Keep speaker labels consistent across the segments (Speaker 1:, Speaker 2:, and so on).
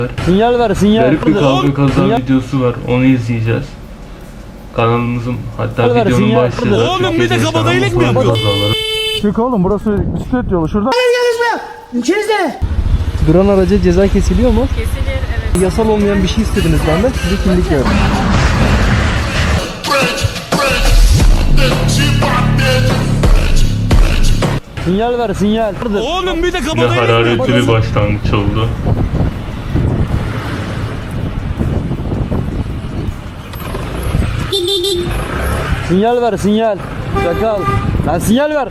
Speaker 1: Sinyal ver, sinyal.
Speaker 2: Garip bir kavga kaza videosu var. Onu izleyeceğiz. Kanalımızın hatta
Speaker 1: Sinyal ver,
Speaker 2: videonun
Speaker 1: sinyal.
Speaker 2: başlığı.
Speaker 3: Oğlum bir de kabadayılık mı yapıyorsun?
Speaker 4: Çık oğlum, burası bisiklet yolu. Şuradan.
Speaker 5: İçinizde.
Speaker 1: Duran araca ceza kesiliyor mu?
Speaker 6: Kesilir, evet.
Speaker 1: Yasal olmayan bir şey istediniz benden. Size kimlik verdim. Sinyal ver, sinyal.
Speaker 3: Oğlum bir de
Speaker 2: Ne
Speaker 3: kabadayılık mı
Speaker 2: hararetli
Speaker 3: yapıyorsun?
Speaker 2: bir başlangıç oldu.
Speaker 1: Sinyal ver, sinyal. Çakal. Lan sinyal ver.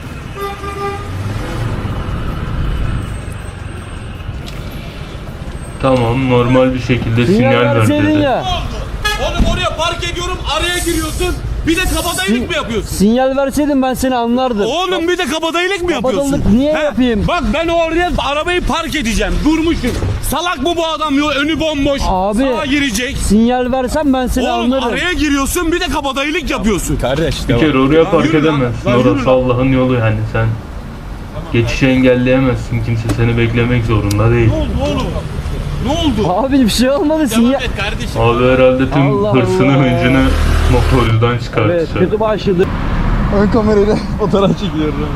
Speaker 2: Tamam, normal bir şekilde sinyal ver
Speaker 1: verseydin
Speaker 2: dedi.
Speaker 1: ya.
Speaker 3: Oğlum oraya park ediyorum, araya giriyorsun. Bir de kabadayılık mı yapıyorsun?
Speaker 1: Sinyal verseydin ben seni anlardım.
Speaker 3: Oğlum bir de kabadayılık mı yapıyorsun?
Speaker 1: Kabadayılık niye yapayım?
Speaker 3: Bak ben oraya arabayı park edeceğim. Durmuşum. Salak mı bu adam? Yo, önü bomboş.
Speaker 1: Abi.
Speaker 3: Sağa girecek.
Speaker 1: Sinyal versen ben seni
Speaker 3: Oğlum
Speaker 1: anlarım.
Speaker 3: araya giriyorsun bir de kabadayılık yapıyorsun.
Speaker 4: Kardeş,
Speaker 2: Bir kere oraya park
Speaker 3: yürü lan,
Speaker 2: edemezsin.
Speaker 3: lan yürü
Speaker 2: Orası
Speaker 3: lan.
Speaker 2: Allah'ın yolu yani sen. Geçişi engelleyemezsin. Kimse seni beklemek zorunda değil.
Speaker 3: Ne oldu oğlum? Ne oldu?
Speaker 1: Abi bir şey olmadı
Speaker 3: Devam
Speaker 1: sinyal.
Speaker 3: et kardeşim.
Speaker 2: Abi herhalde tüm
Speaker 1: Allah
Speaker 2: hırsını
Speaker 1: Allah.
Speaker 2: hıncını motorcudan
Speaker 1: Evet,
Speaker 2: çıkartacak.
Speaker 1: kötü başladı.
Speaker 4: ön kamerayla fotoğraf çekiyorum.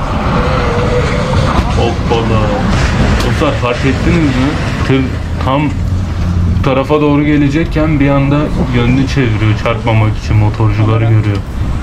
Speaker 2: Hoppala. Dostlar fark ettiniz mi? Tır tam bu tarafa doğru gelecekken bir anda yönünü çeviriyor çarpmamak için, motorcuları görüyor.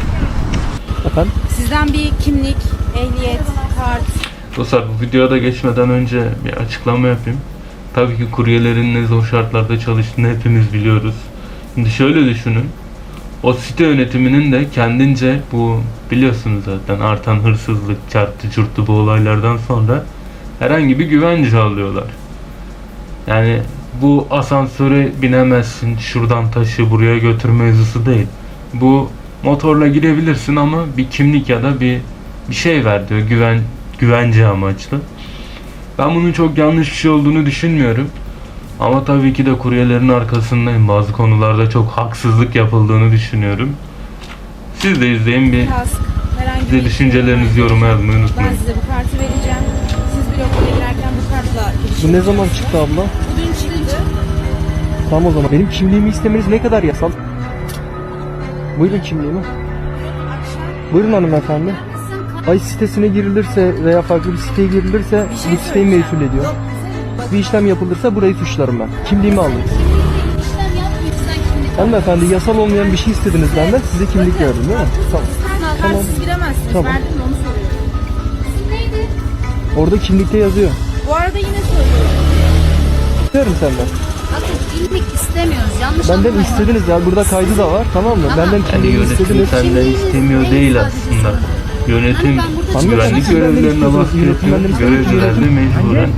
Speaker 6: Sizden bir kimlik, ehliyet, kart.
Speaker 2: Dostlar bu videoya da geçmeden önce bir açıklama yapayım. Tabii ki kuryelerin ne zor şartlarda çalıştığını hepimiz biliyoruz. Şimdi şöyle düşünün. O site yönetiminin de kendince bu biliyorsunuz zaten artan hırsızlık, çarptı çurttu bu olaylardan sonra herhangi bir güvence alıyorlar. Yani bu asansöre binemezsin, şuradan taşı buraya götür mevzusu değil. Bu motorla girebilirsin ama bir kimlik ya da bir şey ver diyor, güvence amaçlı. Ben bunun çok yanlış bir şey olduğunu düşünmüyorum. Ama tabii ki de kuryelerin arkasındayım. Bazı konularda çok haksızlık yapıldığını düşünüyorum. Siz de izleyin, bir
Speaker 6: Kask, herhangi
Speaker 2: size
Speaker 6: bir
Speaker 2: düşüncelerinizi yoruma yazmayı
Speaker 6: Ben
Speaker 2: unutmayın.
Speaker 6: size bu kartı vereceğim. Siz bir okula girerken bu kartla
Speaker 1: Bu ne zaman çıktı abla?
Speaker 6: Bugün çıktı.
Speaker 1: Tamam o zaman. Benim kimliğimi istemeniz ne kadar yasal? Buyurun kimliğimi. Buyurun hanımefendi. Ay sitesine girilirse veya farklı bir siteye girilirse bu siteyi mesul ediyor. Bir işlem yapılırsa burayı suçlarım ben. Kimliğimi alın. Hanımefendi yasal olmayan bir şey istediniz benden. Size kimlik verdim değil mi? Tamam. Tamam.
Speaker 6: Siz giremezsiniz.
Speaker 1: Tamam.
Speaker 6: Verdim mi onu soruyorum. İsim neydi?
Speaker 1: Orada kimlikte yazıyor.
Speaker 6: Bu arada yine söylüyorum.
Speaker 1: İsterim senden.
Speaker 7: Bakın kimlik istemiyoruz. Yanlış
Speaker 1: Benden
Speaker 7: anlamayın.
Speaker 1: istediniz ya. Burada kaydı da var. Tamam mı?
Speaker 7: Tamam.
Speaker 1: Benden
Speaker 2: Yani
Speaker 1: kimliği
Speaker 2: yönetim
Speaker 1: istediniz.
Speaker 2: senden istemiyor değil aslında. Yönetim
Speaker 7: Hani ben burada
Speaker 2: güvenlik
Speaker 1: çıkıyorum.
Speaker 2: görevlilerine bahsediyor. Görevliler de mecburen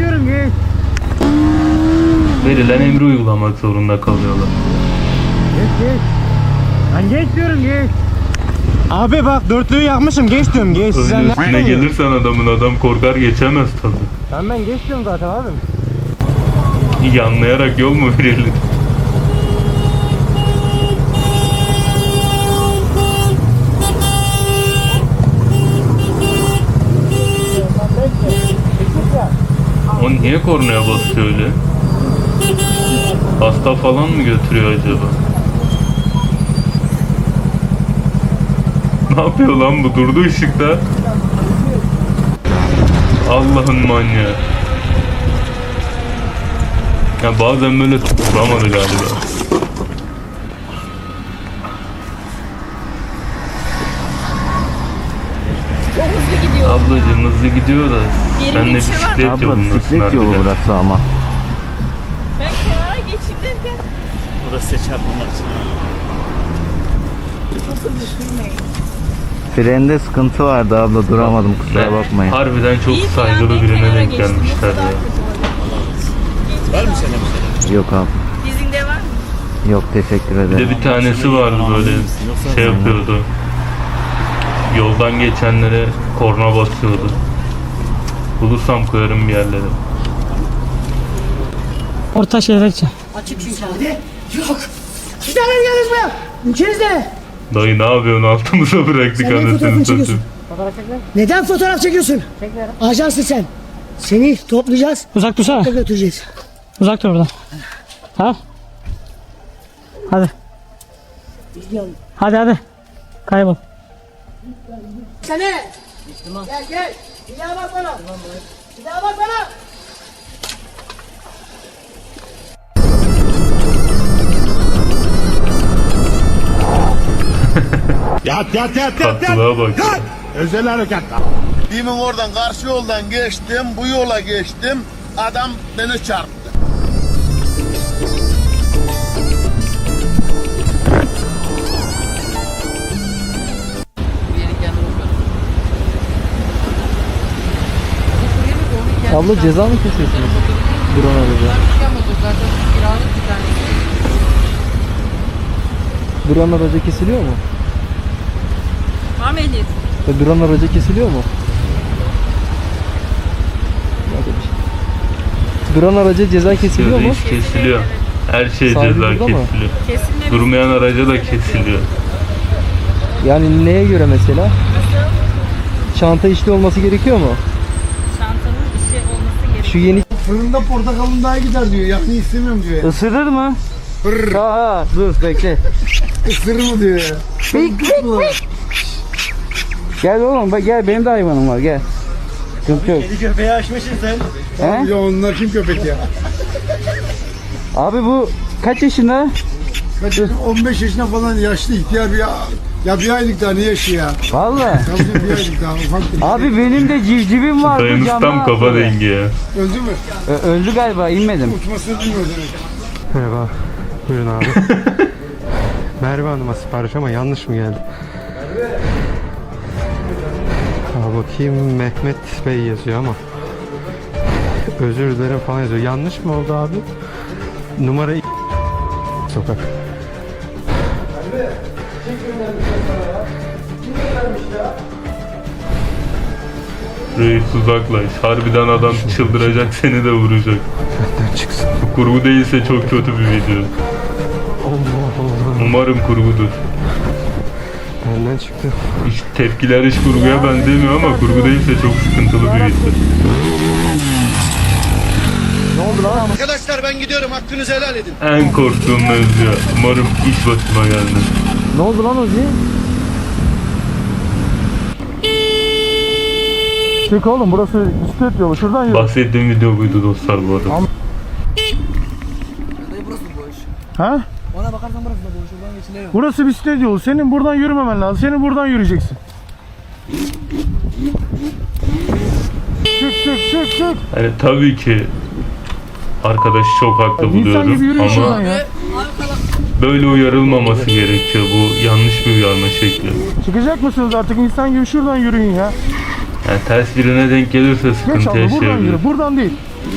Speaker 2: verilen emri uygulamak zorunda kalıyorlar.
Speaker 4: Abi bak dörtlüğü yakmışım, geç diyorum, geç.
Speaker 2: Önce üstüne gelirsen adam korkar geçemez tabii.
Speaker 4: Ben geç diyorum zaten abi.
Speaker 2: Yanlayarak yol mu verilir? O niye kornaya basıyor öyle? Hasta falan mı götürüyor acaba? Ne yapıyor lan bu? Durdu ışıkta. Allah'ın manyağı. Ya bazen böyle tutturamadı galiba.
Speaker 6: Çok hızlı gidiyor.
Speaker 2: Ablacığım hızlı gidiyor da sen de
Speaker 6: bir şey var mı?
Speaker 2: bisiklet yolundasın harbiden.
Speaker 4: burası ama.
Speaker 6: Ben kenara geçeyim derken.
Speaker 3: Burası çarpılmak için.
Speaker 6: Çok hızlı sürmeyin.
Speaker 8: Frende sıkıntı vardı abla, duramadım, kusura bakmayın.
Speaker 2: Harbiden çok
Speaker 6: İyi ki
Speaker 2: saygılı
Speaker 6: ben
Speaker 2: birine
Speaker 6: kenara
Speaker 2: denk
Speaker 6: geçtim,
Speaker 2: gelmişler
Speaker 6: yoksa daha
Speaker 2: ya.
Speaker 6: kötü olurdu.
Speaker 3: Var mı senin bir şey?
Speaker 8: Yok abi.
Speaker 6: Dizinde var mı?
Speaker 8: Yok, teşekkür
Speaker 2: Bir de
Speaker 8: ederim.
Speaker 2: bir tanesi vardı böyle şey yapıyordu. Yoldan geçenlere korna basıyordu. Bulursam koyarım bir yerlere.
Speaker 5: Orta şehre gideceğim.
Speaker 1: Yok. Sizden geldiniz mi? İçinizde.
Speaker 2: Dayı ne yapıyorsun, altımıza bıraktık
Speaker 5: Sen neyin
Speaker 2: anasını
Speaker 5: fotoğrafını
Speaker 2: satayım.
Speaker 5: çekiyorsun? Neden fotoğraf çekiyorsun? Ajansın sen. Seni toplayacağız. Uzak dursana. Götüreceğiz. Uzak dur buradan. Ha? Hadi. Hadi. Kaybol.
Speaker 6: Gel gel. Bir daha bak bana. Bir daha bak bana.
Speaker 3: Yat.
Speaker 2: Tatlılığa bak.
Speaker 3: Özel harekat.
Speaker 9: Demin oradan karşı yoldan geçtim, bu yola geçtim. Adam beni çarptı.
Speaker 1: Abla ceza mı kesiyorsunuz? Duran araca. Duran araca kesiliyor mu?
Speaker 6: Var mı ehliyet?
Speaker 1: Duran araca kesiliyor mu? Duran araca ceza kesiliyor mu?
Speaker 2: Kesiliyor. Her şey
Speaker 1: Sahibi
Speaker 2: ceza
Speaker 1: burada mı?
Speaker 2: kesiliyor.
Speaker 6: Kesinlikle.
Speaker 2: Durmayan araca da kesiliyor.
Speaker 1: Yani neye göre mesela? Çanta işli olması gerekiyor mu?
Speaker 6: Çantanın işi olması gerekiyor.
Speaker 1: Şu yeni
Speaker 9: Fırında portakalın daha gider diyor. Yani istemiyorum diyor.
Speaker 1: ısırır mı? Aa, dur bekle.
Speaker 9: Isırır mı diyor ya.
Speaker 1: Gel oğlum bak gel, benim de hayvanım var, gel. Sıkıntı yok.
Speaker 4: Kedi köpeği açmışsın sen.
Speaker 1: He?
Speaker 9: Ya onlar kim köpek ya?
Speaker 1: Abi bu kaç yaşında?
Speaker 9: Kaç 15 yaşında falan yaşlı ihtiyar bir bir aylık daha ne yaşı ya?
Speaker 1: Vallahi.
Speaker 9: Tabii bir aylık daha ufak bir
Speaker 1: Abi benim de civcivim vardı.
Speaker 2: Dayımız tam
Speaker 1: camdan
Speaker 2: kafa
Speaker 1: atladı.
Speaker 2: dengi ya.
Speaker 9: öldü mü?
Speaker 1: Öldü galiba, inmedim.
Speaker 9: Uçmasını bilmiyor demek.
Speaker 4: Merhaba. Buyurun abi. Merve Hanım'a sipariş ama yanlış mı geldi? Bakayım, Mehmet Bey yazıyor ama özür dilerim falan yazıyor. Yanlış mı oldu abi? Numara sokak.
Speaker 2: Reis uzaklaş. Harbiden adam çıldıracak, seni de vuracak.
Speaker 4: Benden çıksın.
Speaker 2: Bu kurgu değilse çok kötü bir video.
Speaker 4: Allah Allah.
Speaker 2: Umarım kurgudur.
Speaker 4: Benden çıktı.
Speaker 2: Hiç tepkiler hiç kurguya benzemiyor ama kurgu değilse çok sıkıntılı bir video.
Speaker 9: Arkadaşlar ben gidiyorum. Hakkınızı helal edin.
Speaker 2: En korktuğum mevzu. Umarım iş başıma gelmez.
Speaker 1: Ne oldu lan Ozi?
Speaker 4: Çık oğlum, burası bisiklet yolu. Şuradan yürü.
Speaker 2: Bahsettiğim video buydu dostlar bu arada.
Speaker 4: Ha?
Speaker 5: Ona bakarsan burası da boş. Buradan geçiliyor.
Speaker 4: Burası bisiklet yolu. Senin buradan yürümemen lazım. Senin buradan yürüyeceksin. Çık.
Speaker 2: Yani tabii ki arkadaşı çok haklı
Speaker 4: İnsan gibi
Speaker 2: buluyorum
Speaker 4: yürüyün şuradan
Speaker 2: ama
Speaker 4: ya.
Speaker 2: böyle uyarılmaması gerekiyor. Bu yanlış bir uyarma şekli.
Speaker 4: Çıkacak mısınız artık? İnsan gibi şuradan yürüyün ya.
Speaker 2: Yani ters birine denk gelirse
Speaker 4: Geç
Speaker 2: sıkıntı
Speaker 4: abla, buradan
Speaker 2: yaşayabilir.
Speaker 4: yürü. Buradan değil.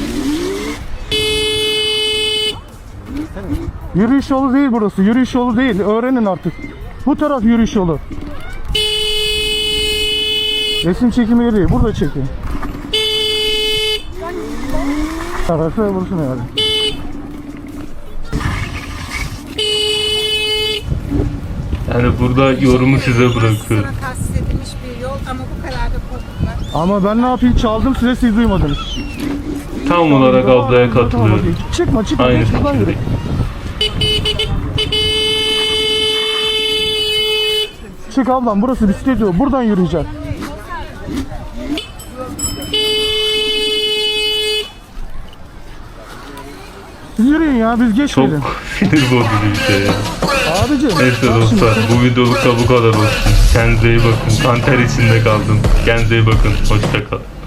Speaker 4: Yürüyüş yolu değil burası. Yürüyüş yolu değil. Öğrenin artık. Bu taraf yürüyüş yolu. Resim çekimi yeri değil. Burada çekin. Arası vursun yani.
Speaker 2: Yani burada yorumu size bırakıyorum.
Speaker 6: Sana tahsis edilmiş bir yol ama bu kadar da korkutlar.
Speaker 4: Ama ben ne yapayım? Çaldım size, siz duymadınız.
Speaker 2: Tam olarak ablaya katılıyorum.
Speaker 4: Çıkma.
Speaker 2: Aynı
Speaker 4: Geç buradan yürü.
Speaker 2: fikirdeyim.
Speaker 4: Çık ablam, burası bisiklet yolu. Buradan yürüyeceksin. Siz yürüyün ya, biz
Speaker 2: Çok
Speaker 4: geçmeyelim.
Speaker 2: sinir bozucu bir şey ya.
Speaker 4: Abicim.
Speaker 2: Neyse dostlar, bu videoluk da bu kadar olsun. Kendinize iyi bakın. Kanter içinde kaldım. Kendinize iyi bakın. Hoşça kalın.